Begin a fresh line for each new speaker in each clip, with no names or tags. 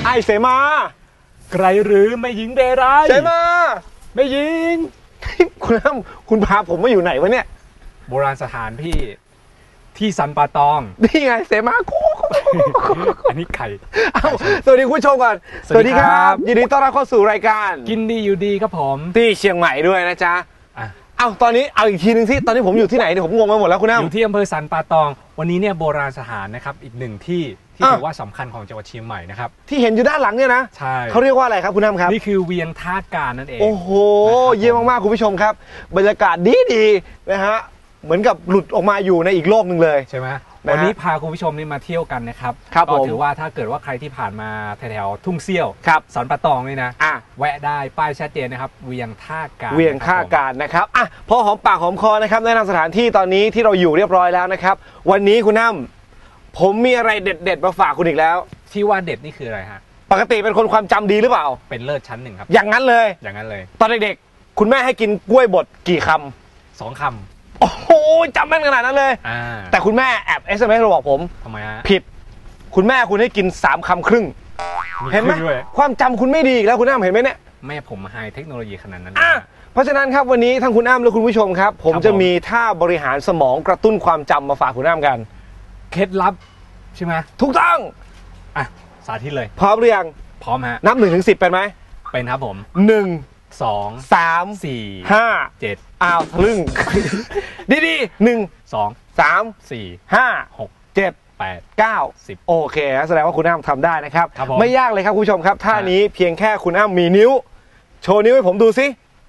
อ้เสมา
ไกลหรือไม่หญิงเรไร
เสมา
ไม่หญิง
คุณพาผมมาอยู่ไหนวะเนี่ย
โบราณสถานพี่ที่สันป่าตอง
นี่ไงเสมา
อันนี้ไข่
สวัสดีคุณผู้ชมก่อนสวัสดีครับยินดีต้อนรับเข้าสู่รายการ
กินดีอยู่ดีครับผม
ที่เชียงใหม่ด้วยนะจ๊ะตอนนี้เอาอีกทีนึงสิตอนนี้ผมอยู่ที่ไหนเนี่ยผมงงไปหมดแล้วคุณน้ำ
อยู่ที่อำเภอสันป่าตองวันนี้เนี่ยโบราณสถานนะครับอีกหนึ่งที่ถือว่าสำคัญของจังหวัดเชียงใหม่นะครับ
ที่เห็นอยู่ด้านหลังเนี่ยนะ
ใช่
เขาเรียกว่าอะไรครับคุณน้ำครับ
นี่คือเวียงท่าการนั่นเอง
โอ้โหเยี่ยมมากๆคุณผู้ชมครับบรรยากาศดีนะฮะเหมือนกับหลุดออกมาอยู่ในอีกโลกหนึ่งเลย
ใช่ไหมวันนี้พาคุณผู้ชมนี่มาเที่ยวกันนะครับก็ถือว่าถ้าเกิดว่าใครที่ผ่านมาแถวๆทุ่งเซี่ยวสันป่าตองนี่นะแวะได้ป้ายชัดเจนนะครับเวียงท่าการ
เวียงท่าการนะครับพอหอมปากหอมคอนะครับแนะนำสถานที่ตอนนี้ที่เราอยู่เรียบร้อยแล้วนะครับวันนี้คุณน้ำผมมีอะไรเด็ดๆมาฝากคุณอีกแล้ว
ที่ว่าเด็ดนี่คืออะไรฮะ
ปกติเป็นคนความจำดีหรือเปล่า
เป็นเลิศชั้นหนึ่งครับ
อย่างนั้นเลยตอนเด็กๆคุณแม่ให้กินกล้วยบดกี่ค
ำ2 คำ
โอ้โหจำแม่นขนาดนั้นเลยแต่คุณแม่แอบ SMS มาบอกผม
ทำไมฮะ
ผิดคุณแม่คุณให้กิน3 คำครึ่งเห็นไหมความจำคุณไม่ดีอีกแล้วคุณอ้ำเห็นไหมเนี่ย
แม่ผมไฮเทคโนโลยีขนาดนั้น
เพราะฉะนั้นครับวันนี้ทั้งคุณอ้ำและคุณผู้ชมครับผมจะมีท่าบริหารสมองกระตุ้นความจำมาฝากคุณอ้ำกัน
เคล็ดลับใช่ไหม
ถูกต้อง
สาธิตเลย
พร้อมหรือยัง
พร้อมฮะ
นับ1 ถึง 10เป็นไหม
เป็นครับผม
1
2 3 4 5 7
ทะลึ่งดีๆ1 2 3 4 5 6 7 8 9 10โอเคแสดงว่าคุณอ้ำทำได้นะครับไม่ยากเลยครับคุณผู้ชมครับท่านี้เพียงแค่คุณอ้ำมีนิ้วโชว์นิ้วให้ผมดูสิ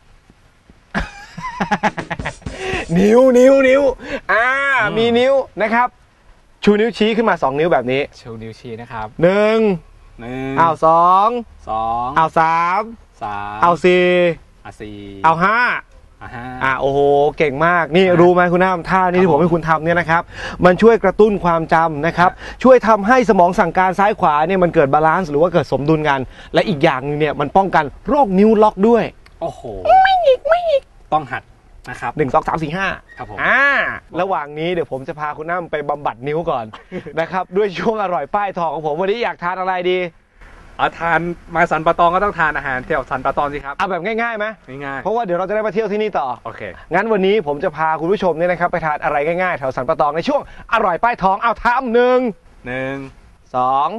นิ้วมีนิ้วนะครับชูนิ้วชี้ขึ้นมา2 นิ้วแบบนี้
ชูนิ้วชี้นะครับ
1 2 3 4 5โอ้โหเก่งมากนี่รู้ไหมคุณน้ำท่านี้ที่ผมให้คุณทำเนี่ยนะครับมันช่วยกระตุ้นความจำนะครับช่วยทำให้สมองสั่งการซ้ายขวาเนี่ยมันเกิดบาลานซ์หรือว่าเกิดสมดุลกันและอีกอย่างนึงเนี่ยมันป้องกันโรคนิ้วล็อกด้วย
โอ้โหไม่อีกต้องหัดนะครับ
1 2 3 4 5
ครับผม
ระหว่างนี้เดี๋ยวผมจะพาคุณน้ำไปบำบัดนิ้วก่อนนะครับด้วยช่วงอร่อยป้ายทองของผมวันนี้อยากทานอะไรดี
ทานมาสันป่าตองก็ต้องทานอาหารแถวสันป่าตองสิครับ
แบบง่ายๆไหม
ง่าย
เพราะว่าเดี๋ยวเราจะได้มาเที่ยวที่นี่ต่อ
โอเค
งั้นวันนี้ผมจะพาคุณผู้ชมเนี่ยนะครับไปทานอะไรง่ายๆแถวสันป่าตองในช่วงอร่อยป้ายทองทำ1 2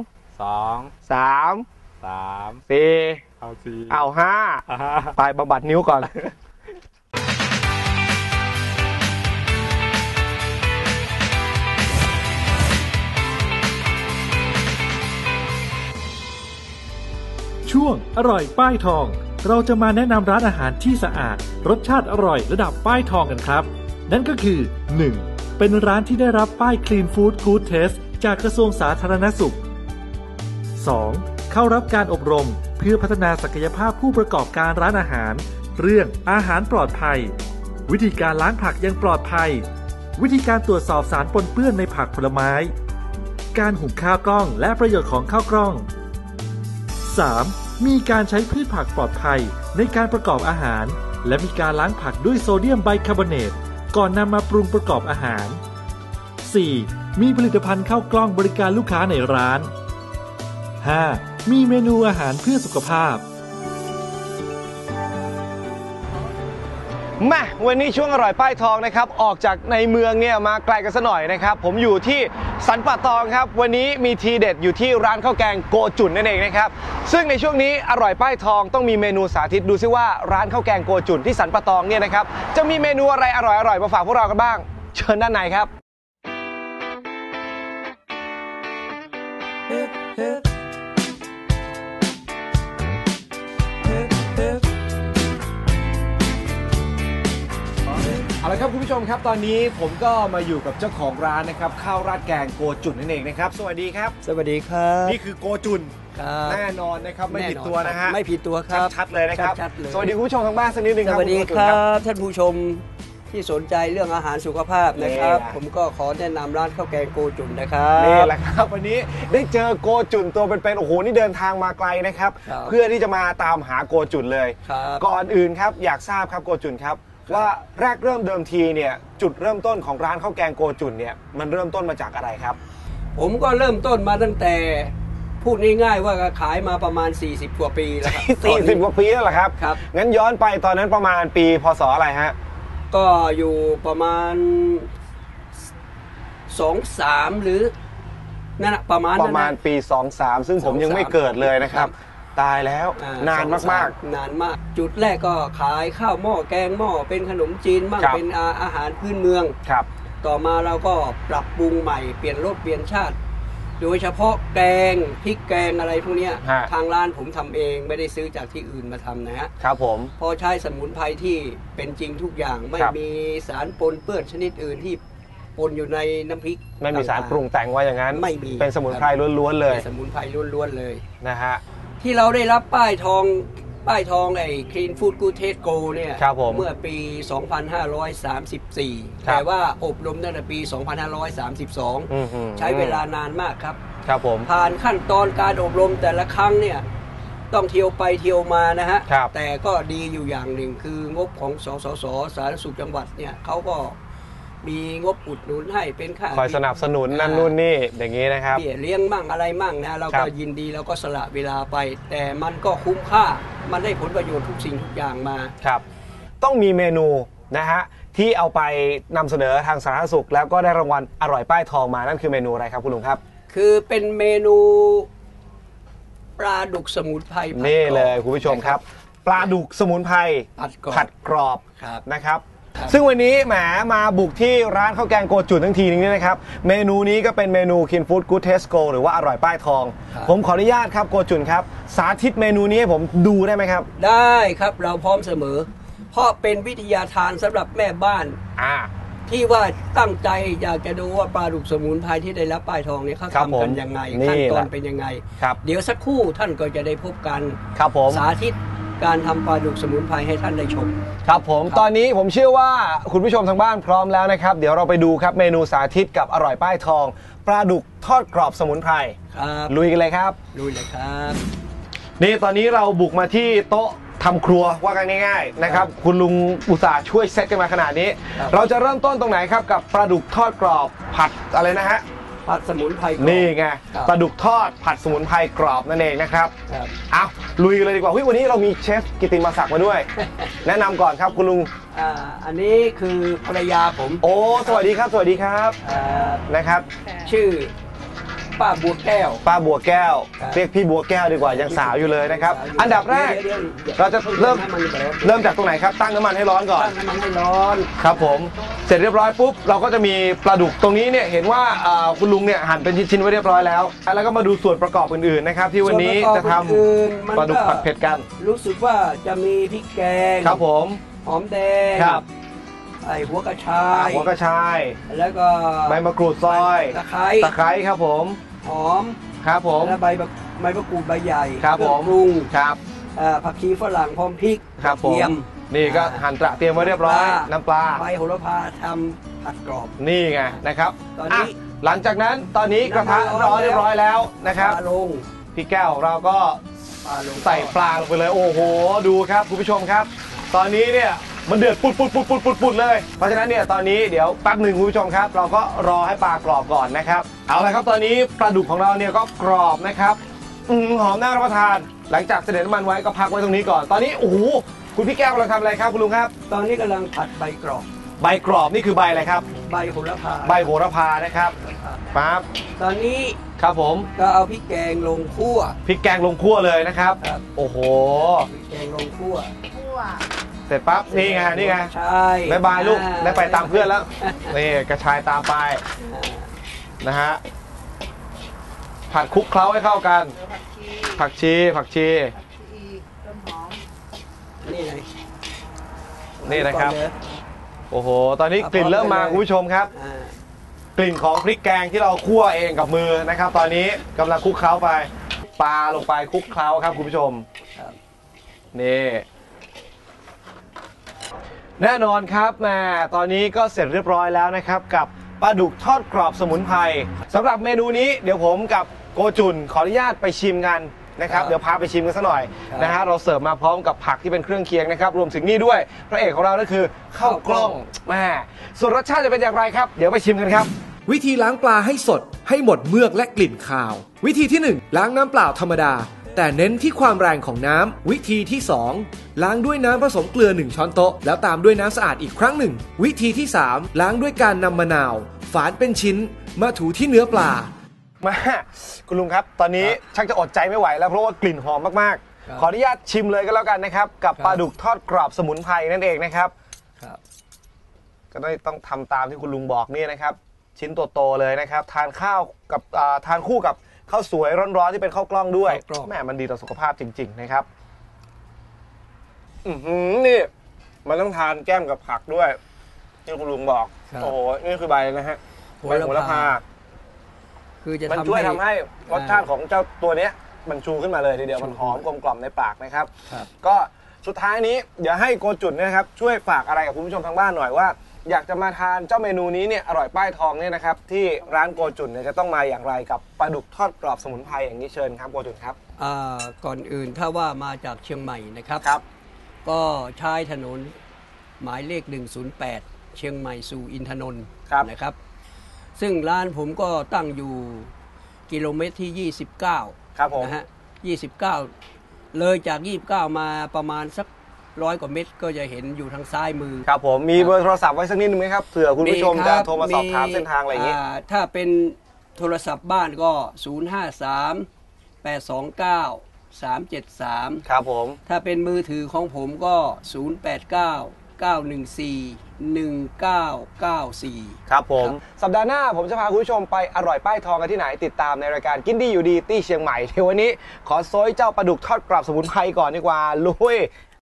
3 4 5ไปบำบัดนิ้วก่อน
ช่วงอร่อยป้ายทองเราจะมาแนะนำร้านอาหารที่สะอาดรสชาติอร่อยระดับป้ายทองกันครับนั่นก็คือ 1. เป็นร้านที่ได้รับป้าย Clean Food Good Taste จากกระทรวงสาธารณสุข 2. เข้ารับการอบรมเพื่อพัฒนาศักยภาพผู้ประกอบการร้านอาหารเรื่องอาหารปลอดภัยวิธีการล้างผักอย่างปลอดภัยวิธีการตรวจสอบสารปนเปื้อนในผักผลไม้การหุงข้าวกล้องและประโยชน์ของข้าวกล้อง 3. มีการใช้พืชผักปลอดภัยในการประกอบอาหารและมีการล้างผักด้วยโซเดียมไบคาร์บอเนตก่อนนำมาปรุงประกอบอาหาร 4. มีผลิตภัณฑ์ข้าวกล้องบริการลูกค้าในร้าน 5. มีเมนูอาหารเพื่อสุขภาพ
มาวันนี้ช่วงอร่อยป้ายทองนะครับออกจากในเมืองเนี่ยมาไกลกันซะหน่อยนะครับผมอยู่ที่สันป่าตองครับวันนี้มีทีเด็ดอยู่ที่ร้านข้าวแกงโกจุ่นนั่นเองนะครับซึ่งในช่วงนี้อร่อยป้ายทองต้องมีเมนูสาธิตดูซิว่าร้านข้าวแกงโกจุ่นที่สันป่าตองเนี่ยนะครับจะมีเมนูอะไรอร่อยมาฝากพวกเรากันบ้างเชิญด้านในครับเอาละครับคุณผู้ชมครับตอนนี้ผมก็มาอยู่กับเจ้าของร้านนะครับข้าวราดแกงโกจุ่นนั่นเองนะครับสวัสดีครับ
สวัสดีครับ
นี่คือโกจุ่นแน่นอนนะครับไม่ผิดตัวนะฮะ
ไม่ผิดตัวครับ
ชัดเลยนะครับสวัสดีคุณผู้ชมทางบ้านสักนิดนึงครับ
สวัสดีครับท่านผู้ชมที่สนใจเรื่องอาหารสุขภาพนะครับผมก็ขอแนะนำร้านข้าวแกงโกจุ่นนะครับ
นี่แหละครับวันนี้ได้เจอโกจุ่นตัวเป็นๆโอ้โหนี่เดินทางมาไกลนะครับเพื่อที่จะมาตามหาโกจุ่นเลยก่อนอื่นครับอยากทราบครับโกจุ่นครับว่าแรกเริ่มเดิมทีเนี่ยจุดเริ่มต้นของร้านข้าวแกงโกจุ่นเนี่ยมันเริ่มต้นมาจากอะไรครับ
ผมก็เริ่มต้นมาตั้งแต่พูดง่ายๆว่าขายมาประมาณ40 กว่าปีแล้วครับ
40 กว่าปีแล้วเหรอครับ
ครับ
งั้นย้อนไปตอนนั้นประมาณปีพศอะไรฮะ
ก็อยู่ประมาณ23หรือนั่นแหละประมาณ
ปี23ซึ่งผมยังไม่เกิดเลยนะครับตายแล้วนานมาก
ๆนานมากจุดแรกก็ขายข้าวหม้อแกงหม้อเป็นขนมจีนบ้างเป็นอาหารพื้นเมือง
ครับ
ต่อมาเราก็ปรับปรุงใหม่เปลี่ยนรสเปลี่ยนชาติโดยเฉพาะแกงพริกแกงอะไรพวกนี้ทางร้านผมทำเองไม่ได้ซื้อจากที่อื่นมาทำนะฮะ
ครับผม
พอใช้สมุนไพรที่เป็นจริงทุกอย่างไม่มีสารปนเปื้อนชนิดอื่นที่ปนอยู่ในน้ำพริก
ไม่มีสารปรุงแต่งว่าอย่างนั้น
ไม่มี
เป็นสมุนไพรล้วนๆเลย
สมุนไพรล้วนๆเลย
นะฮะ
ที่เราได้รับป้ายทองไอ้ Clean Food Good Taste Go เนี่ยเมื่อปี 2534 แต่ว่าอบรมตั้งแต่ปี 2532 ใช้เวลานานมากครับ
ครับผม
ผ่านขั้นตอนการอบรมแต่ละครั้งเนี่ยต้องเที่ยวไปเที่ยวมานะฮะแต่ก็ดีอยู่อย่างหนึ่งคืองบของสสสสาธารณสุขจังหวัดเนี่ยเขาก็มีงบอุดหนุนให้เป็นค่า
คอยสนับสนุนนั่นนู่นนี่อย่างนี้นะครับ
เลี้ยงมั่งอะไรมั่งนะเราก็ยินดีเราก็สละเวลาไปแต่มันก็คุ้มค่ามันได้ผลประโยชน์ทุกสิ่งทุกอย่างมา
ครับต้องมีเมนูนะฮะที่เอาไปนำเสนอทางสาธารณสุขแล้วก็ได้รางวัลอร่อยป้ายทองมานั่นคือเมนูอะไรครับคุณลุงครับ
คือเป็นเมนูปลาดุกสมุนไพร
นี่เลยคุณผู้ชมครับปลาดุกสมุนไพรผัดกรอบนะครับซึ่งวันนี้แหมมาบุกที่ร้านข้าวแกงโกจุนทั้งทีนึงนี่นะครับเมนูนี้ก็เป็นเมนู Clean Food Good Taste Go หรือว่าอร่อยป้ายทองผมขออนุญาตครับโกจุนครับสาธิตเมนูนี้ให้ผมดูได้ไหมครับ
ได้ครับเราพร้อมเสมอเพราะเป็นวิทยาทานสำหรับแม่บ้านที่ว่าตั้งใจอยากจะดูว่าปลาดุกสมุนไพรที่ได้รับป้ายทองเนี่ยเขาทำกันยังไงขั้นตอนเป็นยังไงเดี๋ยวสักครู่ท่านก็จะได้พบกันสาธิตการทำปลาดุกสมุนไพรให้ท่านได้ชม
ครับผมตอนนี้ผมเชื่อว่าคุณผู้ชมทางบ้านพร้อมแล้วนะครับเดี๋ยวเราไปดูครับเมนูสาธิตกับอร่อยป้ายทองปลาดุกทอดกรอบสมุนไพรลุยกันเลยครับ
ลุยเลยครับ
นี่ตอนนี้เราบุกมาที่โต๊ะทำครัวว่ากันง่ายๆนะครับคุณลุงอุตส่าห์ช่วยเซตกันมาขนาดนี้เราจะเริ่มต้นตรงไหนครับกับปลาดุกทอดกรอบผัดอะไรนะฮะ
ผัดสมุนไพร
นี่ไงปลาดุกทอดผัดสมุนไพรกรอบนั่นเองนะครับเอาลุยกันเลยดีกว่าวันนี้เรามีเชฟกิติมาศักดิ์มาด้วยแนะนำก่อนครับคุณลุง
อันนี้คือภรรยาผม
โอ้สวัสดีครับสวัสดีครับนะครับ
ชื่อป้าบัวแก้ว
ป้าบัวแก้วเรียกพี่บัวแก้วดีกว่ายังสาวอยู่เลยนะครับอันดับแรกเราจะเริ่มจากตรงไหนครับตั้งน้ำมันให้ร้อนก่อน
ตั้งน้ำมันให้ร้อน
ครับผมเสร็จเรียบร้อยปุ๊บเราก็จะมีปลาดุกตรงนี้เนี่ยเห็นว่าคุณลุงเนี่ยหั่นเป็นชิ้นๆไว้เรียบร้อยแล้วแล้วก็มาดูส่วนประกอบอื่นๆนะครับที่วันนี้จะทำปลาดุกผัดเผ็ดกัน
รู้สึกว่าจะมีพริกแกง
ครับผม
หอมแดง
ครับ
หัวกระชายแล้วก็
ใบมะกรูดซอย
ตะไคร้
ครับผม
หอม
ครับผม
และใบมะกรูดใบใหญ่
ครับผม
ปรุง
ครับ
ผักชีฝรั่งพร้อมพริก
ครับผมนี่ก็หั่นเตรียมไว้เรียบร้อยน้ำปลา
ใบโหระพาทำผัดกรอบ
นี่ไงนะครับตอนนี้หลังจากนั้นตอนนี้กระทะร้อนเรียบร้อยแล้วนะครับ
ลง
พี่แก้วเราก็ใส่ปลาลงไปเลยโอ้โหดูครับคุณผู้ชมครับตอนนี้เนี่ยมันเดือดปุดเลยเพราะฉะนั้นเนี่ยตอนนี้เดี๋ยวแป๊บหนึ่งคุณผู้ชมครับเราก็รอให้ปลากรอบก่อนนะครับเอาละครับตอนนี้ปลาดุกของเราเนี่ยก็กรอบนะครับหอมน่ารับประทานหลังจากเสด็จน้ำมันไว้ก็พักไว้ตรงนี้ก่อนตอนนี้โอ้โหคุณพี่แก้วกำลังทำอะไรครับคุณลุงครับ
ตอนนี้กำลังผัดใบกรอบ
นี่คือใบอะไรครับ
ใบโหระพา
นะครับปั๊บ
ตอนนี้
ครับผม
ก็เอาพริกแกงลงคั่ว
เลยนะครับโอ้โห
พริกแกงลงคั่ว
เสร็จปั๊บนี่ไงบ๊ายบายลูกได้ไปตามเพื่อนแล้วนี่กระชายตามไปนะฮะผัดคลุกเคล้าให้เข้ากันผักชีนี่นะครับโอ้โหตอนนี้กลิ่นเริ่มมาคุณผู้ชมครับกลิ่นของพริกแกงที่เราคั่วเองกับมือนะครับตอนนี้กำลังคลุกเคล้าไปปลาลงไปคลุกเคล้าครับคุณผู้ชมนี่แน่นอนครับแม่ตอนนี้ก็เสร็จเรียบร้อยแล้วนะครับกับปลาดุกทอดกรอบสมุนไพรสำหรับเมนูนี้เดี๋ยวผมกับโกจุนขออนุญาตไปชิมกันนะครับเดี๋ยวพาไปชิมกันสักหน่อยนะฮะเราเสิร์ฟมาพร้อมกับผักที่เป็นเครื่องเคียงนะครับรวมถึงนี่ด้วยพระเอกของเราก็คือข้าวกล้องแม่ส่วนรสชาติจะเป็นอย่างไรครับเดี๋ยวไปชิมกันครับวิธีล้างปลาให้สดให้หมดเมือกและกลิ่นคาววิธีที่1ล้างน้ำเปล่าธรรมดาแต่เน้นที่ความแรงของน้ำวิธีที่2ล้างด้วยน้ำผสมเกลือ1ช้อนโต๊ะแล้วตามด้วยน้ำสะอาดอีกครั้งหนึ่งวิธีที่3ล้างด้วยการนำมะนาวฝานเป็นชิ้นมาถูที่เนื้อปลามาคุณลุงครับตอนนี้ชักจะอดใจไม่ไหวแล้วเพราะว่ากลิ่นหอมมากๆขออนุญาตชิมเลยก็แล้วกันนะครับกับปลาดุกทอดกรอบสมุนไพรนั่นเองนะครับก็ต้องทำตามที่คุณลุงบอกนี่นะครับชิ้นโตๆเลยนะครับทานข้าวกับทานคู่กับข้าวสวยร้อนๆที่เป็นข้าวกล้องด้วยแม่มันดีต่อสุขภาพจริงๆนะครับนี่มันต้องทานแก้มกับผักด้วยที่คุณลุงบอกโอ้โหนี่คือใบนะฮะใบโหระพา
คือจะ
มันช่วยทำให้รสชาติของเจ้าตัวนี้มันชูขึ้นมาเลยทีเดียวมันหอมกลมกล่อมในปากนะครับก็สุดท้ายนี้เดี๋ยวให้โกจุนนะครับช่วยฝากอะไรกับคุณผู้ชมทางบ้านหน่อยว่าอยากจะมาทานเจ้าเมนูนี้เนี่ยอร่อยป้ายทองเนี่ยนะครับที่ร้านโกจุนเนี่ยจะต้องมาอย่างไรกับปลาดุกทอดกรอบสมุนไพรอย่างนี้เชิญครับโกจุนครับ
ก่อนอื่นถ้าว่ามาจากเชียงใหม่นะครับก็ใช้ถนนหมายเลข108เชียงใหม่สู่อินทนนท์นะครับซึ่งร้านผมก็ตั้งอยู่กิโลเมตรที่29
ครับผม
นะฮะ29เลยจาก29มาประมาณสัก100 กว่าเมตรก็จะเห็นอยู่ทางซ้ายมือครับ
ผมมีเบอร์โทรศัพท์ไว้สักนิดนึงไหมครับเผื่อคุณผู้ชมจะโทรมาสอบถามเส้นทางอะไรอย่างนี้
ถ้าเป็นโทรศัพท์บ้านก็053 829 373
ครับผม
ถ้าเป็นมือถือของผมก็089 914 1994
ครับผมสัปดาห์หน้าผมจะพาคุณผู้ชมไปอร่อยป้ายทองกันที่ไหนติดตามในรายการกินดีอยู่ดีที่เชียงใหม่ในวันนี้ขอโซยเจ้าปลาดุกทอดกรอบสมุนไพรก่อนดีกว่าลุย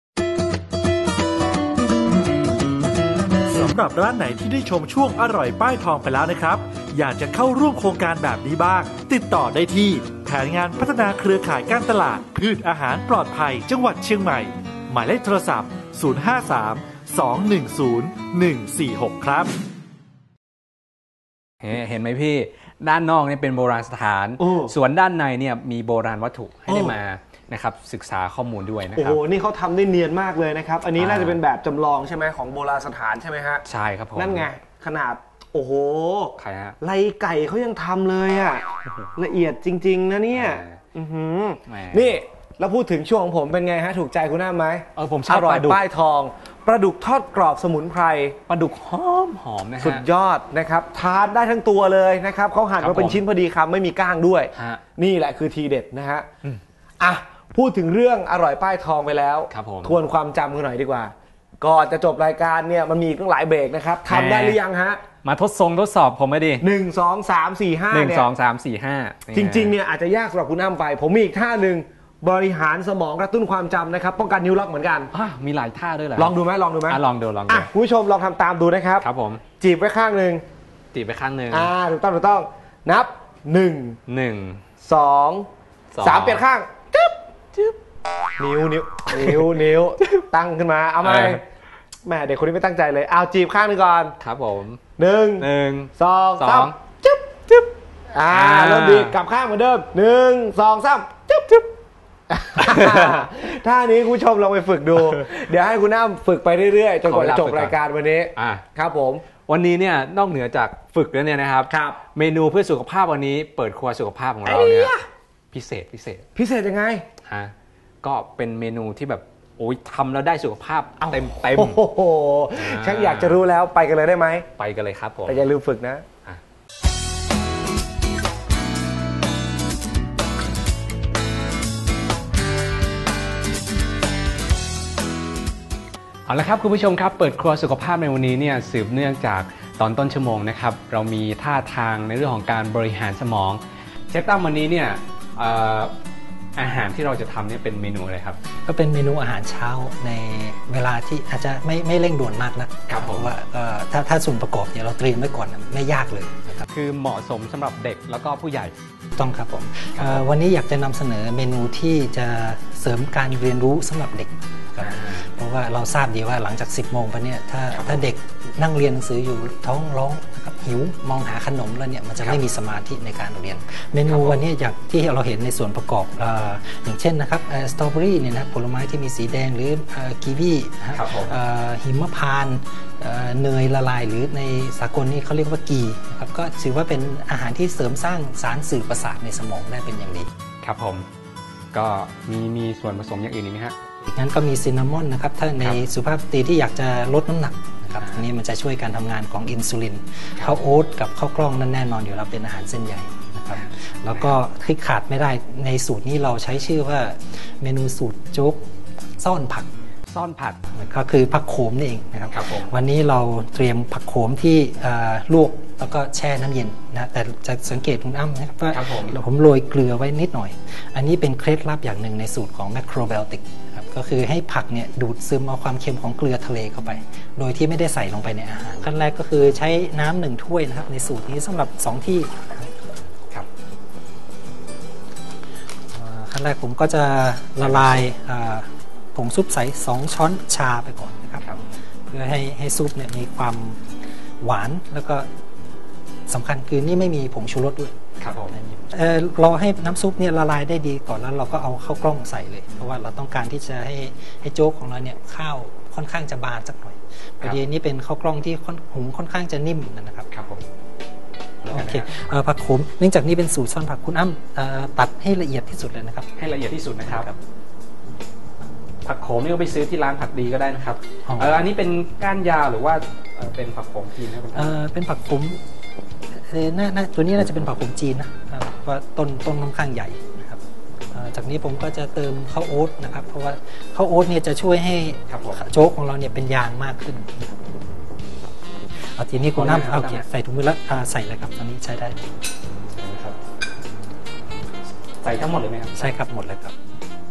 สำหรับร้านไหนที่ได้ชมช่วงอร่อยป้ายทองไปแล้วนะครับอยากจะเข้าร่วมโครงการแบบนี้บ้างติดต่อได้ที่แผนงานพัฒนาเครือข่ายการตลาดพืชอาหารปลอดภัยจังหวัดเชียงใหม่หมายเลขโทรศัพท์053-210-146ครับ
เห็นไหมพี่ด้านนอกนี่เป็นโบราณสถานส่วนด้านในเนี่ยมีโบราณวัตถุให้ได้มานะครับศึกษาข้อมูลด้วยนะครับ
โอ้โหนี่เขาทำได้เนียนมากเลยนะครับอันนี้น่าจะเป็นแบบจำลองใช่ไหมของโบราณสถานใช่ไหมฮะ
ใช่ครับผม
นั่นไงขนาดโอ้โห
ใครฮะ
ไล่ไก่เขายังทำเลยอ่ะละเอียดจริงๆนะเนี่ยนี่แล้วพูดถึงช่วงของผมเป็นไงฮะถูกใจคุณน้าไหม
ผมชอบ
อร่อยป้ายทองปลาดุกทอดกรอบสมุนไพร
ปลาดุกหอมนะฮะ
สุดยอดนะครับทานได้ทั้งตัวเลยนะครับเขาหั่นมาเป็นชิ้นพอดีคำไม่มีก้างด้วยนี่แหละคือทีเด็ดนะฮะพูดถึงเรื่องอร่อยป้ายทองไปแล้วทวนความจำกันหน่อยดีกว่าก่อนจะจบรายการเนี่ยมันมีตั้งหลายเบรกนะครับทำได้หรือยังฮะ
มาทดสอบผมไม่ดี
1 2 3 4 5
1 2 3 4 5
จริงๆเนี่ยอาจจะยากสำหรับคุณน้ำไปผมมีอีกท่าหนึ่งบริหารสมองกระตุ้นความจำนะครับป้องกันนิ้วล็อกเหมือนกัน
มีหลายท่าด้วยเหรอ
ลองดูไหมลองดูคุณผู้ชมลองทำตามดูนะครับ
ครับผม
จีบไว้ข้างหนึ่งถูกต้องนับ1 2 3เปลี่ยนข้างจึ๊บนิ้วตั้งขึ้นมาเอาไหมแม่เด็กคนนี้ไม่ตั้งใจเลยเอาจีบข้างหนึ่งก่อน
ครับผม
1 2 3จึ๊บเริ่มดีกลับข้างเหมือนเดิม1 2 3จึ๊บท่านี้คุณผู้ชมลองไปฝึกดูเดี๋ยวให้คุณน้ำฝึกไปเรื่อยๆจนกว่าจะจบรายการวันนี้ครับผม
วันนี้เนี่ยนอกเหนือจากฝึกแล้วเนี่ยนะครับเมนูเพื่อสุขภาพวันนี้เปิดครัวสุขภาพของเราเนี่ยพิเศษ
ยังไง
ก็เป็นเมนูที่แบบโอ้ยทำแล้วได้สุขภาพเต็ม
โอ้โหฉันอยากจะรู้แล้วไปกันเลยได้ไหม
ไปกันเลยครับผม
แต่อย่าลืมฝึกนะ
เอาละครับคุณผู้ชมครับเปิดครัวสุขภาพในวันนี้เนี่ยสืบเนื่องจากตอนต้นชั่วโมงนะครับเรามีท่าทางในเรื่องของการบริหารสมองเชฟตั้มวันนี้เนี่ยอาหารที่เราจะทำเนี่ยเป็นเมนูอะไรครับ
ก็เป็นเมนูอาหารเช้าในเวลาที่อาจจะไม่เร่งด่วนมากนะครับเพราะว่าถ้าส่วนประกอบเนี่ยเราเตรียมไว้ก่อนไม่ยากเลยนะครับ
คือเหมาะสมสำหรับเด็กแล้วก็ผู้ใหญ่
ต้องครับผมวันนี้อยากจะนำเสนอเมนูที่จะเสริมการเรียนรู้สำหรับเด็กเพราะว่าเราทราบดีว่าหลังจาก 10 โมงไปเนี่ยถ้าเด็กนั่งเรียนหนังสืออยู่ท้องร้องนะครับหิวมองหาขนมแล้วเนี่ยมันจะไม่มีสมาธิในการเรียนเมนูวันนี้อย่างที่เราเห็นในส่วนประกอบอย่างเช่นนะครับสตรอเบอรี่เนี่ยนะผลไม้ที่มีสีแดงหรือกีวีหิมพานต์เนยละลายหรือในสากลนี่เขาเรียกว่ากีครับก็ถือว่าเป็นอาหารที่เสริมสร้างสารสื่อประสาทในสมองได้เป็นอย่างดี
ครับผมก็มีส่วนผสมอย่างอื่นอีกไหมฮะ
งั้นก็มีซินนามอนนะครับถ้าในสุภาพสตรีที่อยากจะลดน้ำหนักนะครับอันนี้มันจะช่วยการทำงานของอินซูลินข้าวโอ๊ตกับข้าวกล้องนั่นแน่นอนอยู่แล้วเป็นอาหารเส้นใหญ่นะครับแล้วก็ที่ขาดไม่ได้ในสูตรนี้เราใช้ชื่อว่าเมนูสูตรโจ๊กซ่อนผักก็คือผักโขมนี่เองนะครับวันนี้เราเตรียมผักโขมที่ลวกแล้วก็แช่น้ำเย็นนะแต่จะสังเกตคุณอ้ำนะครับว่าผมโรยเกลือไว้นิดหน่อยอันนี้เป็นเคล็ดลับอย่างหนึ่งในสูตรของแมคโครไบโอติกครับก็คือให้ผักเนี่ยดูดซึมเอาความเค็มของเกลือทะเลเข้าไปโดยที่ไม่ได้ใส่ลงไปในอาหารขั้นแรกก็คือใช้น้ำ1 ถ้วยนะครับในสูตรนี้สำหรับ2ที่ครับขั้นแรกผมก็จะละลายผงซุปใส่2 ช้อนชาไปก่อนนะครับเพื่อให้ซุปเนี่ยมีความหวานแล้วก็สำคัญคือนี่ไม่มีผงชูรสด้วยครับผมเราให้น้ำซุปเนี่ยละลายได้ดีก่อนแล้วเราก็เอาข้าวกล้องใส่เลยเพราะว่าเราต้องการที่จะให้โจ๊กของเราเนี่ยข้าวค่อนข้างจะบานสักหน่อยพอดีนี้เป็นข้าวกล้องที่หุงค่อนข้างจะนิ่มนะครับครับผมโอเคผักโขมเนื่องจากนี่เป็นสูตรซ่อนผักคุณอ้ำตัดให้ละเอียดที่สุดเลยนะครับ
ให้ละเอียดที่สุดนะครับผักโขมนี่ก็ไปซื้อที่ร้านผักดีก็ได้นะครับอันนี้เป็นก้านยาวหรือว่าเป็นผักโขมจีนนะครับ
เป็นผักโขมตัวนี้น่าจะเป็นผักโขมจีนนะเพราะต้นค่อนข้างใหญ่นะครับจากนี้ผมก็จะเติมข้าวโอ๊ตนะครับเพราะว่าข้าวโอ๊ตเนี่ยจะช่วยให้โจ๊กของเราเนี่ยเป็นยางมากขึ้นเอาทีนี้คุณน้ำโอเคใส่ถุงมือแล้วใส่เลยครับตอนนี้ใช้ได้
ใส่ทั้งหมดเลยไหมครับ
ใช่ครับหมดเลยครับ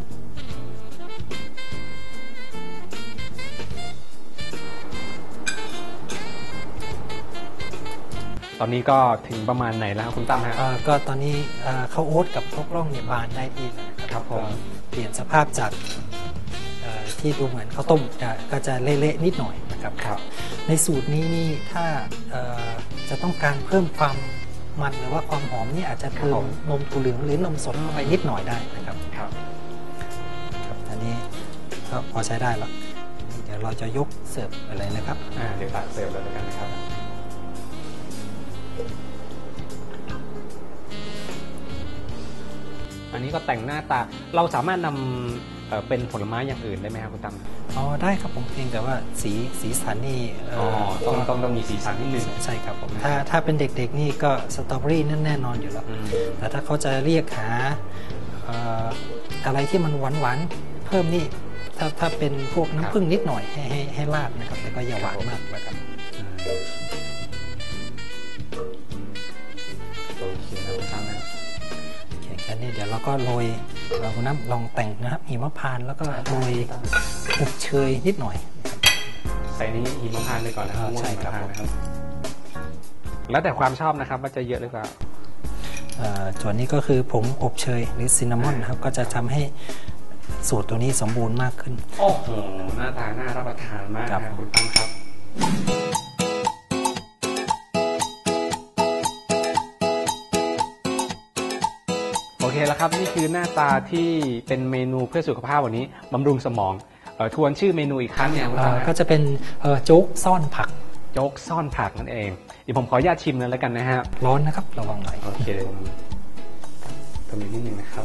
ตอนนี้ก็ถึงประมาณไหนแล้วคุณตั้มฮะ
ก็ตอนนี้ข้าวโอ๊ตกับข้าวกล้องเนี่ยบานได้ที่แล้วนะครับผมเปลี่ยนสภาพจากที่ดูเหมือนข้าวต้มก็จะเละๆนิดหน่อยนะครับในสูตรนี้นี่ถ้าจะต้องการเพิ่มความมันหรือว่าความหอมนี่อาจจะเพิ่มนมถั่วเหลืองหรือนมสดเข้าไปนิดหน่อยได้นะครับอันนี้ก็พอใช้ได้แล้วเดี๋ยวเราจะยกเสิร์ฟอะไรนะครับ
เดี๋ยวตักเสิร์ฟเลยกันนะครับอันนี้ก็แต่งหน้าตาเราสามารถนำเป็นผลไม้อย่างอื่นได้ไหมครับคุณตั้ม
ได้ครับผมเพียงแต่ว่าสีสันนี่
ต้องมีสีสันนิดนึง
ใช่ครับผมถ้าเป็นเด็กๆนี่ก็สตรอเบอรี่นั่นแน่นอนอยู่แล้วแต่ถ้าเขาจะเรียกหาอะไรที่มันหวานๆเพิ่มนี่ถ้าเป็นพวกน้ำผึ้งนิดหน่อยให้ราดนะครับแต่ก็อย่าหวานมากแล้วกัน
โอเคนะคุณตั้มนะ
แค่นี้เดี๋ยวเราก็โรยคุณน้ำลองแต่งนะครับหิมพานต์แล้วก็โรยอบเชยนิดหน่อย
ใส่นี้หิมพานต์ไปก่อนนะครับใช่ครับแล้วแต่ความชอบนะครับว่าจะเยอะหรือเปล่า
ส่วนนี้ก็คือผงอบเชยหรือซินนามอนนะครับก็จะทำให้สูตรตัวนี้สมบูรณ์มากขึ้น
โอ้โหหน้าตาน่ารับประทานมากนะคุณตั้มครับโอเคแล้วครับนี่คือหน้าตาที่เป็นเมนูเพื่อสุขภาพวันนี้บำรุงสมองทวนชื่อเมนูอีกครั้งเนี่ย
ก็จะเป็นโจ๊กซ่อนผัก
โจ๊กซ่อนผักนั่นเองเดี๋ยวผมขออนุญาตชิมเลยแล้วกันนะฮะ
ร้อนนะครับระวังหน่อย
โอเคทำนิดนึงนะครับ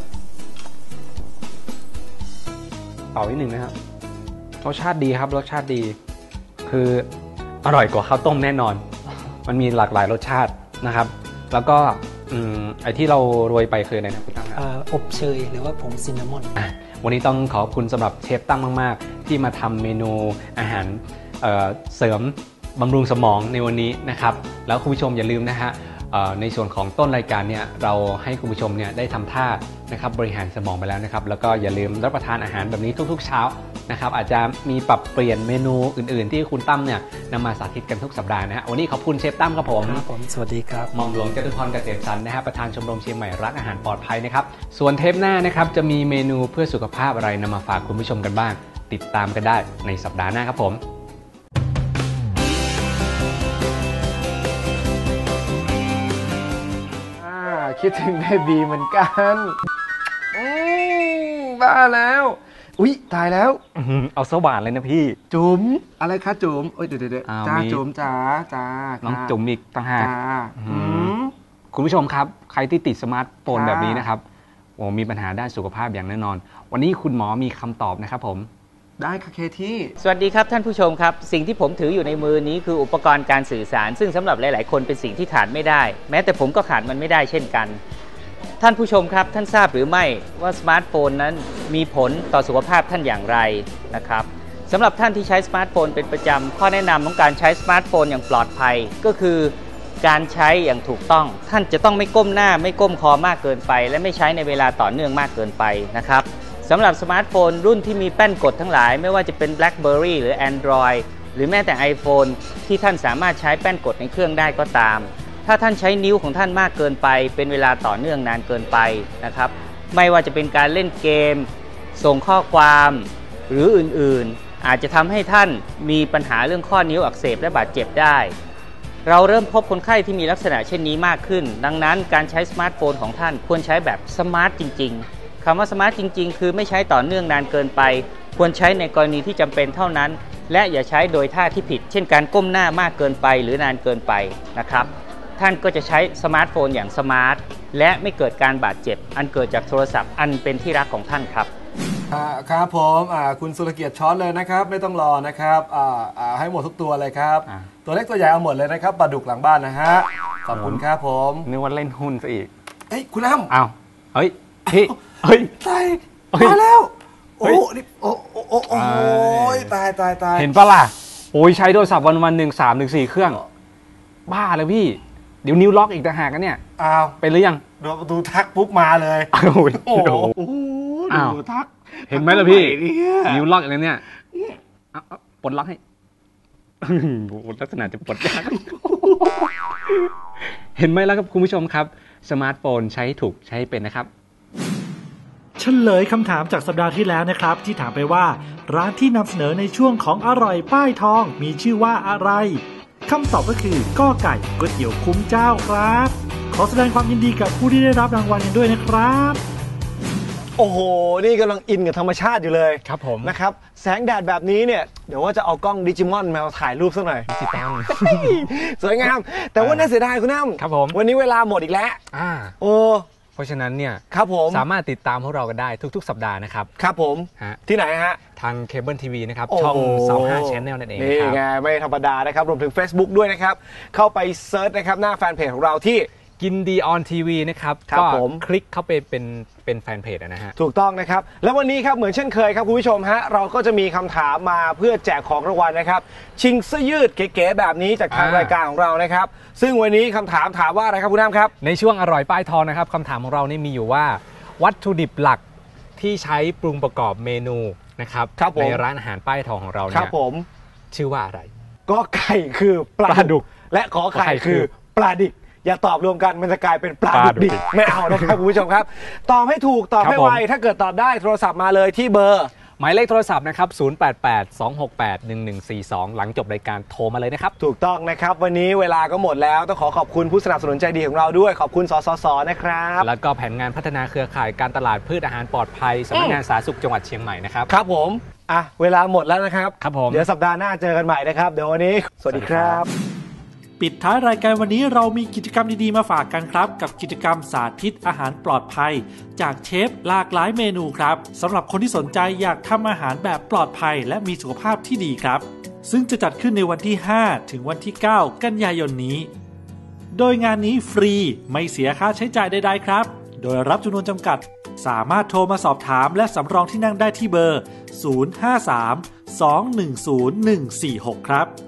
เป่านิดนึงนะครับรสชาติดีครับรสชาติดีคืออร่อยกว่าข้าวต้มแน่นอนมันมีหลากหลายรสชาตินะครับแล้วก็ไอ้ที่เราโรยไปคืออะไรนะคุณตั้ม
อบเชยหรือว่าผงซินนามอน
วันนี้ต้องขอบคุณสำหรับเชฟตั้มมากๆที่มาทำเมนูอาหารเสริมบำรุงสมองในวันนี้นะครับแล้วคุณผู้ชมอย่าลืมนะฮะในส่วนของต้นรายการเนี่ยเราให้คุณผู้ชมเนี่ยได้ทำท่านะครับบริหารสมองไปแล้วนะครับแล้วก็อย่าลืมรับประทานอาหารแบบนี้ทุกๆเช้านะครับอาจจะมีปรับเปลี่ยนเมนูอื่นๆที่คุณตั้มเนี่ยนำมาสาธิตกันทุกสัปดาห์นะฮะวันนี้ขอบคุณเชฟตั้มครับผม
สวัสดีครับ
หม่อมหลวงจตุพรเกษมสันต์นะฮะประธานชมรมเชียงใหม่รักอาหารปลอดภัยนะครับส่วนเทปหน้านะครับจะมีเมนูเพื่อสุขภาพอะไรนำมาฝากคุณผู้ชมกันบ้างติดตามกันได้ในสัปดาห์หน้าครับผม
คิดถึงเบบีเหมือนกันบ้าแล้วอุ๊ยตายแล้ว
เอาสว่านเลยนะพี่
จุ๋มอะไรคะจุ๋มเดี๋ยวจ้าจุ๋มจ้า
น้องจุ๋มอีกต่างหากคุณผู้ชมครับใครที่ติดสมาร์ทโฟนแบบนี้นะครับมีปัญหาด้านสุขภาพอย่างแน่นอนวันนี้คุณหมอมีคำตอบนะครับผม
ได้ค่ะเคที่
สวัสดีครับท่านผู้ชมครับสิ่งที่ผมถืออยู่ในมือนี้คืออุปกรณ์การสื่อสารซึ่งสำหรับหลายๆคนเป็นสิ่งที่ขาดไม่ได้แม้แต่ผมก็ขาดมันไม่ได้เช่นกันท่านผู้ชมครับท่านทราบหรือไม่ว่าสมาร์ทโฟนนั้นมีผลต่อสุขภาพท่านอย่างไรนะครับสำหรับท่านที่ใช้สมาร์ทโฟนเป็นประจำข้อแนะนำของการใช้สมาร์ทโฟนอย่างปลอดภัยก็คือการใช้อย่างถูกต้องท่านจะต้องไม่ก้มหน้าไม่ก้มคอมากเกินไปและไม่ใช้ในเวลาต่อเนื่องมากเกินไปนะครับสำหรับสมาร์ทโฟนรุ่นที่มีแป้นกดทั้งหลายไม่ว่าจะเป็น BlackBerry หรือ Android หรือแม้แต่ iPhone ที่ท่านสามารถใช้แป้นกดในเครื่องได้ก็ตามถ้าท่านใช้นิ้วของท่านมากเกินไปเป็นเวลาต่อเนื่องนานเกินไปนะครับไม่ว่าจะเป็นการเล่นเกมส่งข้อความหรืออื่นๆอาจจะทำให้ท่านมีปัญหาเรื่องข้อนิ้วอักเสบและบาดเจ็บได้เราเริ่มพบคนไข้ที่มีลักษณะเช่นนี้มากขึ้นดังนั้นการใช้สมาร์ทโฟนของท่านควรใช้แบบสมาร์ทจริงๆคำว่าสมาร์ทจริงๆคือไม่ใช้ต่อเนื่องนานเกินไปควรใช้ในกรณีที่จำเป็นเท่านั้นและอย่าใช้โดยท่าที่ผิดเช่นการก้มหน้ามากเกินไปหรือนานเกินไปนะครับท่านก็จะใช้สมาร์ทโฟนอย่างสมาร์ทและไม่เกิดการบาดเจ็บอันเกิดจากโทรศัพท์อันเป็นที่รักของท่านครับ
ครับผมคุณสุรเกียรติช้อนเลยนะครับไม่ต้องรอนะครับให้หมดทุกตัวเลยครับตัวเล็กตัวใหญ่เอาหมดเลยนะครับปลาดุกหลังบ้านนะฮะขอบคุณครับผม
นึกว่าเล่นหุ้นซะอีก
เอ้ยคุณอ้ำ
อ้าวเฮ้ยพี่เฮ้ย
ตายมาแล้วโอ้นี่โอ้ยตาย
เห็นปะล่ะโอ้ยใช้โทรศัพท์วันๆ 3-4 เครื่องบ้าเลยพี่เดี๋ยวนิ้วล็อกอีกต่างหากกันเนี่ย
อ้าว
เป็นหรือยัง
ดูทักปุ๊บมาเลย
โอ้โหดูทักเห็นไหมล่ะพี่นิ้วล็อกอะไรเนี่ยปลดล็อกให้ลักษณะจะปลดยากเห็นไหมแล้วครับคุณผู้ชมครับสมาร์ทโฟนใช้ถูกใช้เป็นนะครับ
เฉลยคำถามจากสัปดาห์ที่แล้วนะครับที่ถามไปว่าร้านที่นำเสนอในช่วงของอร่อยป้ายทองมีชื่อว่าอะไรคำตอบก็คือก้อไก่ก๋วยเตี๋ยวคุ้มเจ้าครับขอแสดงความยินดีกับผู้ที่ได้รับรางวัลกันด้วยนะครับ
โอ้โหนี่กำลังอินกับธรรมชาติอยู่เลย
ครับผม
นะครับแสงแดดแบบนี้เนี่ยเดี๋ยวว่าจะเอากล้องดิจิมอนมาถ่ายรูปสักหน่อย
ดิจิตอล
สวยงามแต่ว่าน่าเสียดายคุณน้ำ
ครับผม
วันนี้เวลาหมดอีกแล้วโอ้
เพราะฉะนั้นเนี่ย
ครับผม
สามารถติดตามพวกเรากันได้ทุกๆสัปดาห์นะครับ
ครับผมที่ไหนฮะ
ทางเคเบิลทีวีนะครับช่อง25 Channel นั่นเอง
นี่ไงไม่ธรรมดานะครับรวมถึง Facebook ด้วยนะครับเข้าไปเซิร์ชนะครับหน้าแฟนเพจของเราที่
กินดีออนทีวีนะครับก็คลิกเข้าไปเป็นแฟนเพจนะฮะ
ถูกต้องนะครับแล้ววันนี้ครับเหมือนเช่นเคยครับคุณผู้ชมฮะเราก็จะมีคำถามมาเพื่อแจกของรางวัลนะครับชิงเสื้อยืดเก๋ๆแบบนี้จากทางรายการของเรานะครับซึ่งวันนี้คำถามว่าอะไรครับคุณน้ำครับ
ในช่วงอร่อยป้ายทองนะครับคำถามของเรานี่มีอยู่ว่าวัตถุดิบหลักที่ใช้ปรุงประกอบเมนูนะครับในร้านอาหารป้ายทองของเราเนี่ยชื่อว่าอะไร
ก็ไก่คือปลาดุกและขอไข่คือปลาดิบอย่าตอบรวมกันมันจะกลายเป็นปลาดุกดิบไม่เอานะครับคุณผู้ชมครับตอบให้ถูกตอบให้ไวถ้าเกิดตอบได้โทรศัพท์มาเลยที่เบอร์
หมายเลขโทรศัพท์นะครับ0882681142หลังจบรายการโทรมาเลยนะครับ
ถูกต้องนะครับวันนี้เวลาก็หมดแล้วต้องขอบคุณผู้สนับสนุนใจดีของเราด้วยขอบคุณสสสนะครับ
แล้วก็แผนงานพัฒนาเครือข่ายการตลาดพืชอาหารปลอดภัยสำนักงานสาธารณสุขจังหวัดเชียงใหม่นะครับ
ครับผมเวลาหมดแล้วนะครับ
ครับผม
เดี๋ยวสัปดาห์หน้าเจอกันใหม่นะครับเดี๋ยววันนี้สวัสดีครับ
ปิดท้ายรายการวันนี้เรามีกิจกรรมดีๆมาฝากกันครับกับกิจกรรมสาธิตอาหารปลอดภัยจากเชฟหลากหลายเมนูครับสำหรับคนที่สนใจอยากทำอาหารแบบปลอดภัยและมีสุขภาพที่ดีครับซึ่งจะจัดขึ้นในวันที่5ถึงวันที่9กันยายนนี้โดยงานนี้ฟรีไม่เสียค่าใช้จ่ายใดๆครับโดยรับจำนวนจำกัดสามารถโทรมาสอบถามและสำรองที่นั่งได้ที่เบอร์053 210 146ครับ